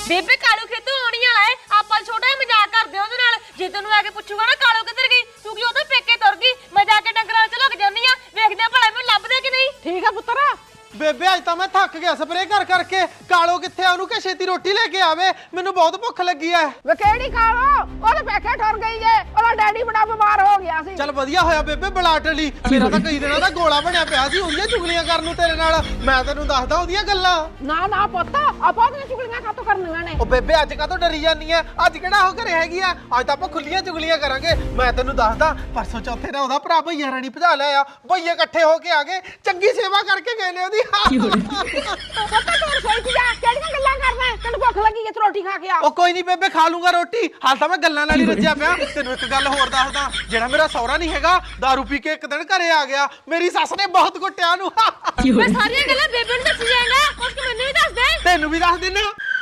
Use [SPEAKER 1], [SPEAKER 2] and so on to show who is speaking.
[SPEAKER 1] ਬੇਬੇ ਕਾਲੂ ਖੇਤੋਂ ਆਉਣੀ ਵਾਲਾ ਏ ਆਪਾਂ ਛੋਟਾ ਜਿਹਾ ਮਜ਼ਾਕ ਕਰਦੇ ਉਹਦੇ ਨਾਲ ਜੇ ਤੈਨੂੰ ਆ ਕੇ ਪੁੱਛੂਗਾ ਨਾ ਕਾਲੂ ਕਿੱਧਰ ਗਈ ਤੂੰ ਕਿ ਉਹਦੇ ਪੇਕੇ ਤੁਰ ਗਈ ਮੈਂ ਜਾ ਕੇ ਡੰਗਰਾਂ 'ਚ ਲੁਕ ਜਾਂਦੀ ਆ ਵੇਖਦੇ ਆ ਭਲਾ ਮੈਨੂੰ ਲੱਭਦੇ ਕਿ ਨਹੀਂ
[SPEAKER 2] ਠੀਕ ਆ ਪੁੱਤਰ
[SPEAKER 3] ਬੇਬੇ ਅੱਜ ਤਾਂ ਮੈਂ ਥੱਕ ਗਿਆ ਸਪਰੇਅ ਕਰ ਕਰਕੇ ਕਾਲੋ ਕਿੱਥੇ ਆ ਉਹਨੂੰ ਕਿ ਛੇਤੀ ਰੋਟੀ ਲੈ ਕੇ ਆਵੇ ਮੈਨੂੰ ਬਹੁਤ ਭੁੱਖ ਲੱਗੀ ਐ
[SPEAKER 2] ਵੇ ਕਿਹੜੀ ਕਾਲੋ ਉਹਦੇ ਪੇਕੇ ਠੁਰ ਗਈ ਜੇ ਉਹਦਾ ਡੈਡੀ ਬੜਾ ਬਿਮਾਰ ਹੋ ਗਿਆ ਸੀ
[SPEAKER 3] ਚੱਲ ਵਧੀਆ ਹੋਇਆ ਬੇਬੇ ਬਲਾਟ ਲਈ ਮੇਰਾ ਤਾਂ ਕਈ ਦਿਨਾਂ ਦਾ ਗੋਲਾ ਬਣਿਆ ਪਿਆ ਸੀ ਉਹਦੀਆਂ ਚੁਗਲੀਆਂ ਕਰਨ ਨੂੰ ਤੇਰੇ ਨਾਲ ਮੈਂ ਤੈਨੂੰ ਦੱਸਦਾ ਉਹਦੀਆਂ ਗੱਲਾਂ
[SPEAKER 2] ਨਾ ਨਾ ਪੁੱਤ ਆਪਾਂ ਉਹਦੀਆਂ ਚੁਗਲੀਆਂ ਕਾਤੋਂ ਕਰਨੀਆਂ ਨੇ
[SPEAKER 3] ਉਹ ਬੇਬੇ ਅੱਜ ਕਾਹਤੋਂ ਡਰੀ ਜਾਂਦੀ ਐ ਅੱਜ ਕਿਹੜਾ ਉਹ ਘਰੇ ਹੈਗੀ ਆ ਅੱਜ ਤਾਂ ਆਪਾਂ ਖੁੱਲੀਆਂ ਚੁਗਲੀਆਂ ਕਰਾਂਗੇ ਮੈਂ ਤੈਨੂੰ ਦੱਸਦਾ ਪਰਸੋਂ ਚੌਥੇ ਦਾ ਉਹਦਾ ਭਰਾ ਭਈਆ ਰਾਣੀ ਭਜਾ ਲਿਆ ਆ ਭਈਏ ਇਕੱਠੇ ਹੋ ਕੇ ਆ ਗਏ ਚੰਗੀ ਸੇਵਾ ਕਰਕੇ ਗਏ ਨੇ ਉਹਦੀ
[SPEAKER 2] ਪੁੱਤ ਤੂੰ ਰਸੋਈ 'ਚ ਜਾ ਕਿਹੜੀਆਂ ਗੱਲਾਂ ਕਰਦਾ ਤੈਨੂੰ ਭੁੱਖ ਲੱਗੀ ਜੇ ਤੂੰ ਰੋਟੀ ਖਾ ਕੇ ਆ
[SPEAKER 3] ਉਹ ਕੋਈ ਨਹੀਂ ਬੇਬੇ ਖਾ ਲੂੰਗਾ ਰੋਟੀ ਹਾਲ ਤਾਂ ਮੈਂ ਗੱਲਾਂ ਨਾਲ ਹੀ ਰੱਜਿਆ ਪਿਆ ਤੈਨੂੰ ਇੱਕ ਗੱਲ ਹੋਰ ਦੱਸਦਾ ਜਿਹੜਾ ਮੇਰਾ ਸਹੁਰਾ ਨਹੀਂ ਹੈਗਾ ਦਾਰੂ ਪੀ ਕੇ ਇੱਕ ਦਿਨ ਘਰੇ ਆ ਗਿਆ ਮੇਰੀ ਸੱਸ ਨੇ ਬਹੁਤ ਕੁੱਟਿਆ ਨੂੰ
[SPEAKER 1] ਮੈਂ ਸਾਰੀਆਂ ਗੱਲਾਂ ਬੇਬੇ ਨੂੰ ਦੱਸ ਜਾਏਗਾ ਕੁਝ ਮੈਨੂੰ ਵੀ ਦੱਸ ਦੇ
[SPEAKER 3] ਤੈਨੂੰ ਵੀ ਦੱਸ ਦਿੰਨਾ